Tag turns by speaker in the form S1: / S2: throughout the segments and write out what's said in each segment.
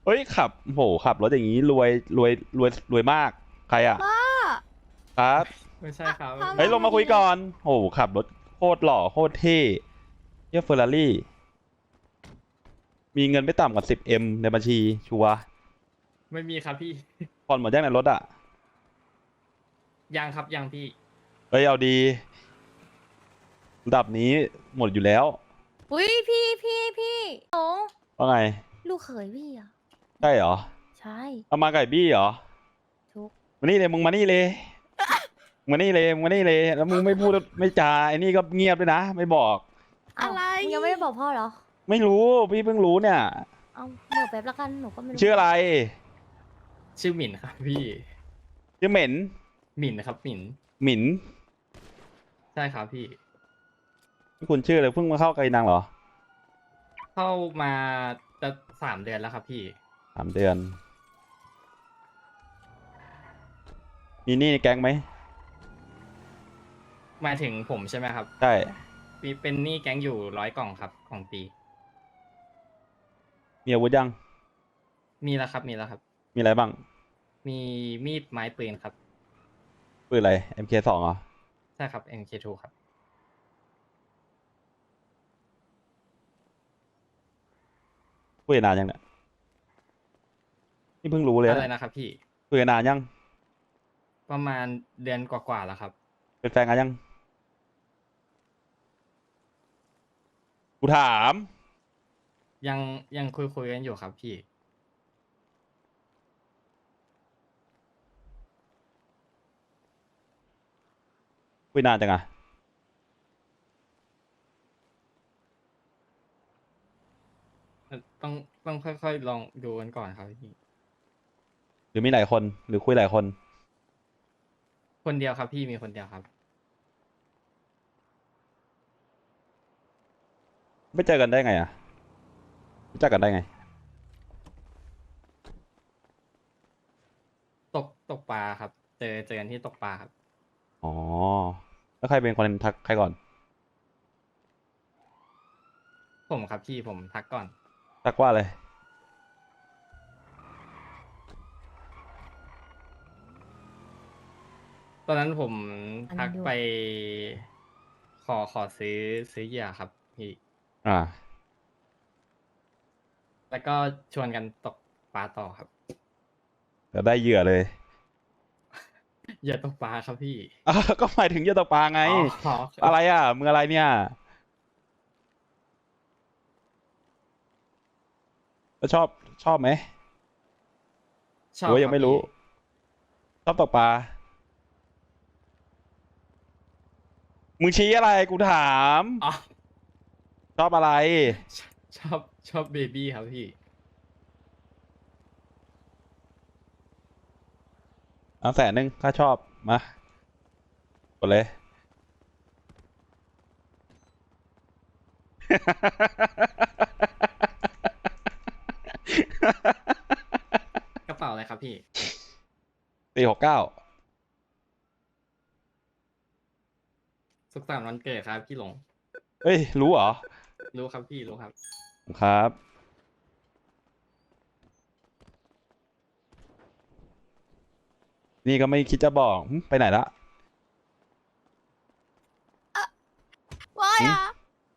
S1: เฮ้ยขับโหขับรถอย่างนี้รวยรวยรวยรวยมากใครอ่ะ
S2: พ่อ
S1: ครับ
S3: ไม่ใช่ครับ
S2: พ่อ
S1: เฮ้ยลงมาคุยก่อนโหขับรถโคตรหล่อโคตรเท่เยี่ยเฟอร์รารี่มีเงินไม่ต่ำกว่า10Mในบัญชีชัวร์
S3: ไม่มีครับพี่
S1: ผ่อนหมดยังในรถอ่ะ
S3: ยังครับยังพี่
S1: เฮ้ยเอาดีระดับนี้หมดอยู่แล้ว
S2: อุ้ยพี่โอ้
S1: ว่าไง
S2: ลูกเขยพี่อ่ะ
S1: ใช่เหรอ
S2: ใช่
S1: เอามาไก่บี้เหรอ
S2: ทุก
S1: มานี่เลยมึงมานี่เลยมึงมานี่เลยมึงมานี่เลยแล้วมึงไม่พูดไม่จาไอ้นี่ก็เงียบด้วยนะไม่บอก
S2: อะไรมึงยังไม่ได้บอกพ่อเหรอ
S1: ไม่รู้พี่เพิ่งรู้เนี่ย
S2: เอาเมื่อแป๊บละกันหนูก็ไม่รู้
S1: ชื่ออะไร
S3: ชื่อหมิ่นครับพี่
S1: ชื่อเหม็น
S3: หมิ่นครับหมิ่น
S1: หมิน
S3: ใช่ครับพี่
S1: คุณชื่ออะไรเพิ่งมาเข้าไกลนางเหรอ
S3: เข้ามาจะ3 เดือนแล้วครับพี่
S1: 3 เดือนมีหนี้ในแก๊งไหม
S3: หมายถึงผมใช่ไหมครับ
S1: ใช่
S3: มีเป็นหนี้แก๊งอยู่100 กล่องครับของปี
S1: มีอาวุธยัง
S3: มีแล้วครับมีแล้วครับ
S1: มีอะไรบ้าง
S3: มีมีดไม้ปืนครับ
S1: ปืนอะไร MK2เหรอ
S3: ใช่ครับ MK2 ครับ
S1: คุยกันนานยังเนี่ยนี่เพิ่งรู้เลย
S3: อะไรนะครับพี่
S1: คุยกันนานยัง
S3: ประมาณเดือนกว่าๆแล้วครับ
S1: เป็นแฟนกันยังกูถาม
S3: ยังยังคุยกันอยู่ครับพี่
S1: คุยนานจังอะ
S3: ต้องต้องค่อยๆลองดูกันก่อนครับพี่
S1: หรือมีหลายคนหรือคุยหลายคน
S3: คนเดียวครับพี่มีคนเดียวครับ
S1: ไม่เจอกันได้ไงอะรู้จักกันได้ไง
S3: ตกปลาครับเจอกันที่ตกปลาครับ
S1: อ๋อแล้วใครเป็นคนทักใครก่อน
S3: ผมครับพี่ผมทักก่อน
S1: ทักว่าอะไร
S3: ตอนนั้นผม
S2: อัน
S3: ทัก
S2: นี้ด้ว
S3: ไป
S2: ย
S3: ขอซื้อเหยื่อครับพี่
S1: อ่า
S3: แล้วก็ชวนกันตกปลาต่อครับ
S1: จะได้เหยื่อเลย
S3: เหยื่อตกปลาครับพี่
S1: อ้าวก็หมายถึงเหยื่อตกปลาไง
S3: อ๋อ
S1: อะไรอ่ะมึงอะไรเนี่ยแล้วชอบไหม
S3: ชอบ
S1: หรือว่า
S3: ครับ
S1: ยังไม่รู้
S3: พี่
S1: ชอบตกปลามึงชี้อะไรกูถาม
S3: อ๋อ
S1: ชอบอะไร
S3: ชชอบชอบเบบี้ครับพี่
S1: เอา100,000ถ้าชอบมากดเลย
S3: กระเป๋าอะไรครับพี่
S1: 469
S3: สุขสันต์วันเกิดครับพี่หลง
S1: เอ้ยรู้เหรอ
S3: รู้ครับพี่รู้ครับ
S1: ครับนี่ก็ไม่คิดจะบอกหึไปไหนละ
S2: ว่า
S1: หึ
S2: อ่ะ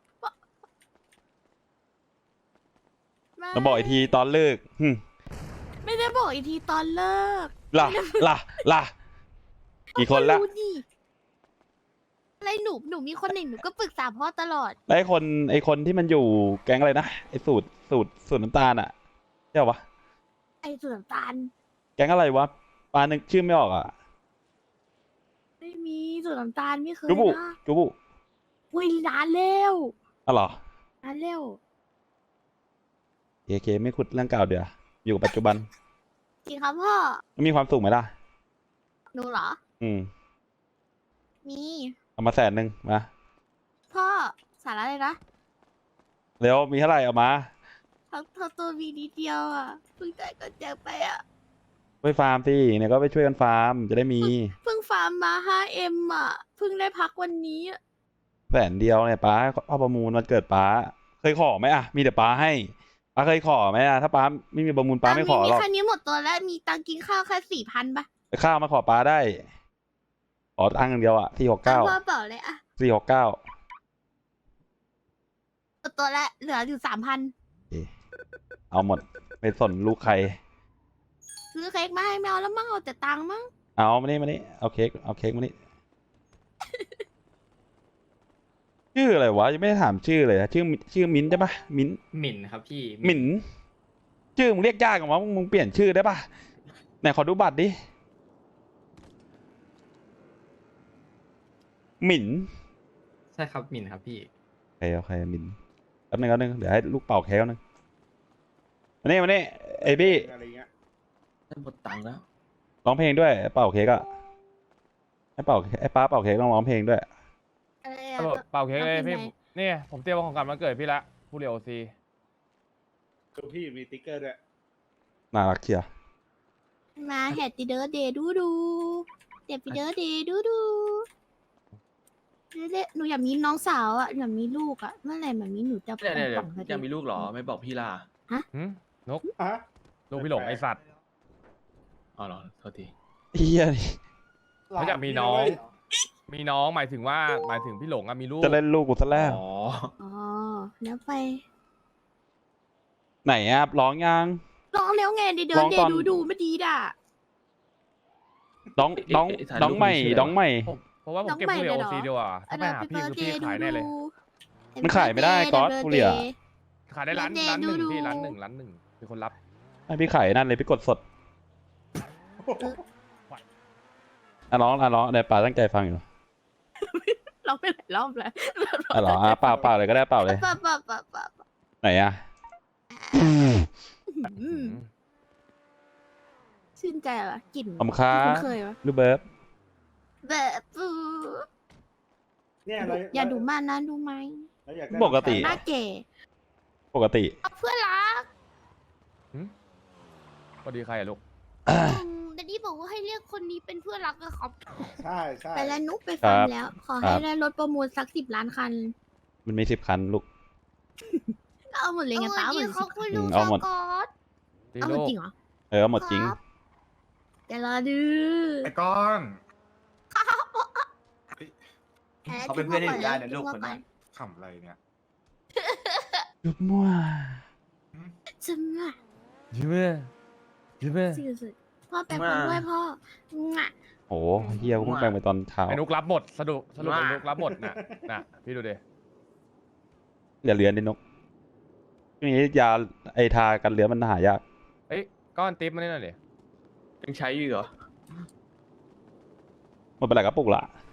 S1: มาบอกอีกทีตอนเลิกหึ
S2: ไม่ได้บอกอีกทีตอนเลิก
S1: ล่ะล่ะกี่คนละ
S2: รู้ดิอะไรหนูมีคนหนึ่งหนูก็ปรึกษาพ่อตลอด
S1: แล้วไอคนที่มันอยู่แก๊งอะไรนะไอสูตรน้ำตาลอะใช่ปะ
S2: ไอ้ส่วนน้ำตาล
S1: แก๊งอะไรวะปานึกชื่อไม่ออกอะ
S2: ไม่มีส่วนน้ำตาลไม่เคย
S1: จูบุ
S2: นะ
S1: จูบุ
S2: อุ้ยนานแล้ว
S1: อ๋อเหรอ
S2: นานแล้ว
S1: เคไม่ขุดเรื่องเก่าเดี๋ยวอยู่กับปัจจุบัน
S2: จริงครับพ่อ
S1: มันมีความสุขไหมล่ะ
S2: หนูเหรอ
S1: อืม
S2: มี
S1: เอามา100,000มา
S2: พ่อสาระเลยนะ
S1: แล้วมีเท่าไหร่เอามา
S2: ทั้งตัวมีนิดเดียวอ่ะเพิ่งจ่ายก่อนแจกไปอ่ะ
S1: ไปฟาร์มสิเนี่ยก็ไปช่วยกันฟาร์มจะได้มี
S2: เพิ่งฟาร์มมา 5M อ่ะเพิ่งได้พักวันนี้อะ
S1: 100,000เนี่ยป้าเอาประมูลวันเกิดป้าเคยขอไหมอะมีแต่ป้าให้ป้าเคยขอไหมอะถ้าป้าไม่มีประมูลป้าไม่ขอหรอก
S2: คันนี้หมดตัวแล้วมีตังค์กินข้าวแค่4,000ปะ
S1: ไปข้าวมาขอป้าได้ขอตังค์อย่างเดียวอะ469
S2: พ่อเปล่าเลยอะ
S1: 469
S2: หมดตัวแล้วเหลืออยู่3,000
S1: เอาหมดไม่สนลูกใคร
S2: ซื้อเค้กมาให้แมวแล้วมั่งเอาแต่ตังค์มั่ง
S1: เอามานี่เอาเค้กมานี่ ชื่ออะไรวะยังไม่ได้ถามชื่อเลยอะชื่อมิ้นท์ใช่ปะมิ้นท์
S3: หมิ่นครับพี่
S1: หมิ่นชื่อมึงเรียกยากกว่ามึงเปลี่ยนชื่อได้ปะไหนขอดูบัตรดิหมิ่น
S3: ใช่ครับหมิ่นครับพี่
S1: โอเคหมิ่นแป๊บนึงเดี๋ยวให้ลูกเป่าเค้กนึงมานี่ไอ้บี้
S4: อะไรเงี้ย
S5: ได้หมดตังค์แล้ว
S1: ร้องเพลงด้วยเป่าเค้กอะไอ้ป้าเป่าเค้กต้องร้องเพลงด้วย
S2: อะไร
S6: ตำรวจ
S2: อะ
S6: เป่าเค้กเลย
S2: เอาเพล
S6: พี่
S2: งไหน
S6: นี่ผมเตรียมของกลับมาเกิดพี่ละผู้เรียวซี
S4: ตัวพี่มีติ๊กเกอร์ด้วย
S1: น่ารักเชียว
S2: มาแฮปปี้เดย์เดย์ดูแฮปปี้เดย์เดย์ดูหนูอยากมีน้องสาวอะอยากมีลูกอะเมื่อไหร่แบบนี้หนูจะ
S5: เดี๋ยว
S2: ป่องๆสักที
S5: ยังมีลูกเหรอ ไม่บอกพี่ล่ะ
S6: หืมนก
S4: อ่ะ
S6: ลูกพี่หลงไอสัตว์
S5: อ๋อเหรอโทษที
S1: เฮียนี่
S6: เขาอยากมีน้อง มีน้องหมายถึงพี่หลงอะมีลูก
S1: จะเล่นลูกกูซะแล้ว
S5: อ๋อ
S2: อ๋อแล้วไป
S1: ไหนอะร้องยัง
S2: ร้องแล้วไงเดย์
S1: ร้อง
S2: เด
S1: ตอน
S2: ย์ดูไม่ดีด่ะ
S1: น้องใหม่
S6: เพราะว่าผมเก็บผู้เรียวซีดีกว่าถ้าไปหาพี่คือพี่ขายแน่เลย
S1: มันขายไม่ได้ก๊อตกูเหลี่ย
S6: ขายได้ร้านหนึ่งพี่ร้านหนึ่งมีคนรับ
S1: ให้พี่ไข่นั่นเลยพี่กดสดร้องเดี๋ยวป่าตั้งใจฟังอยู่
S2: ร้องไปหลายรอบแล้ว
S1: เหรอเปล่าเลยก็ได้เปล่าเลย
S2: ปะ
S1: ไหนอะ
S2: ชื่นใจว่ะกลิ่น
S1: ขอบค้า
S2: ที่คุ้นเคยวะ
S1: ลูกเบิร์บ
S2: แบบปู
S4: เนี่ยเรา
S2: อย่าดูมากนะดูไหม
S4: เราอยากได้
S1: ปกติ
S2: หน้าแก่
S1: ปกติ
S2: เอาเพื่อนรัก
S6: พอดีใครอะลูก
S2: แต่นี่บอกว่าให้เรียกคนนี้เป็นเพื่อนรักอะครับ
S4: ใช่ใช่
S2: ไปแล้วนุ๊กไปฟัง
S1: ครับ
S2: แล้ว ขอ
S1: ครั
S2: ให้
S1: บ
S2: ได้รถประมูลสัก10 ล้านคัน
S1: มันมี10 คันลูก
S2: ก็เอาหมดเลยไงป้าเอาหมดเลย
S1: เขาคุยลูกเอาหมด
S6: ดี
S2: เอาหม
S6: ลู
S2: ด
S6: ก
S2: จริงเหรอ
S1: เอาหมดจริง
S2: ครับเดี๋ยวรอดู
S7: ไอ้ก้อน
S2: แหม
S7: เขาเป็นเพื่อนที่อยู่ได้นะ
S2: จุ๊
S7: ลู
S2: บ
S7: ก
S2: หัว
S7: คน
S2: ก่อ
S7: นั้น นขำอะไรเนี่ย
S1: ยุบมั่ว
S2: จุ๊บมั่ว
S6: ยิ้มเลย
S2: สุดๆพ่อแปลงฟันด้วยพ่อง่ะ
S1: โอ้เฮียกูเพิ่งแปลงไปตอนเช้า
S6: ไอ้นุกรับหมดสรุปไอ้นุกรับหมดน่ะพี่ดูดิ
S1: อย่าเลือนดินกช่วงนี้ยาไอทากันเลือนมันหายาก
S6: เอ้ยก้อนติ๊บมานี่หน่อยดิ
S5: ยังใช้อยู่เหรอ
S1: หมดไปหลายกระปุกละ